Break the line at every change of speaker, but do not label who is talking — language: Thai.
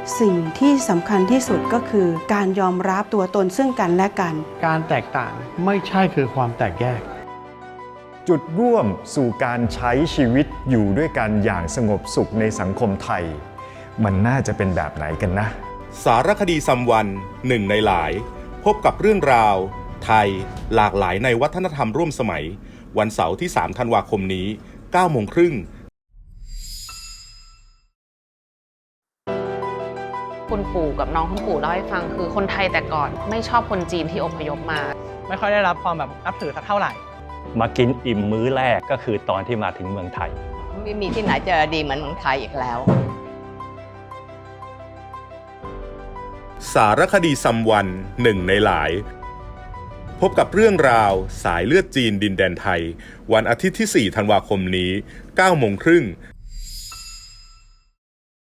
สิ่งที่สำคัญที่สุดก็คือการยอมรับตัวตนซึ่งกันและกัน
การแตกต่างไม่ใช่คือความแตกแยก
จุดร่วมสู่การใช้ชีวิตอยู่ด้วยกันอย่างสงบสุขในสังคมไทยมันน่าจะเป็นแบบไหนกันนะ
สารคดีซัมวันหนึ่งในหลายพบกับเรื่องราวไทยหลากหลายในวัฒนธรรมร่วมสมัยวันเสาร์ที่3 ธันวาคมนี้ 9 โมงครึ่ง
คุณปู่กับน้องคุณปู่เล่าให้ฟังคือคนไทยแต่ก่อนไม่ชอบคนจีนที่อพยพมา
ไม่ค่อยได้รับความแบบนับถือสักเท่าไหร่
มากินอิ่มมื้อแรกก็คือตอนที่มาถึงเมืองไทย
ไม่มีที่ไหนจะดีเหมือนเมืองไทยอีกแล้ว
สารคดีซัมวันหนึ่งในหลายพบกับเรื่องราวสายเลือดจีนดินแดนไทยวันอาทิตย์ที่4 ธันวาคมนี้ 9 โมงครึ่ง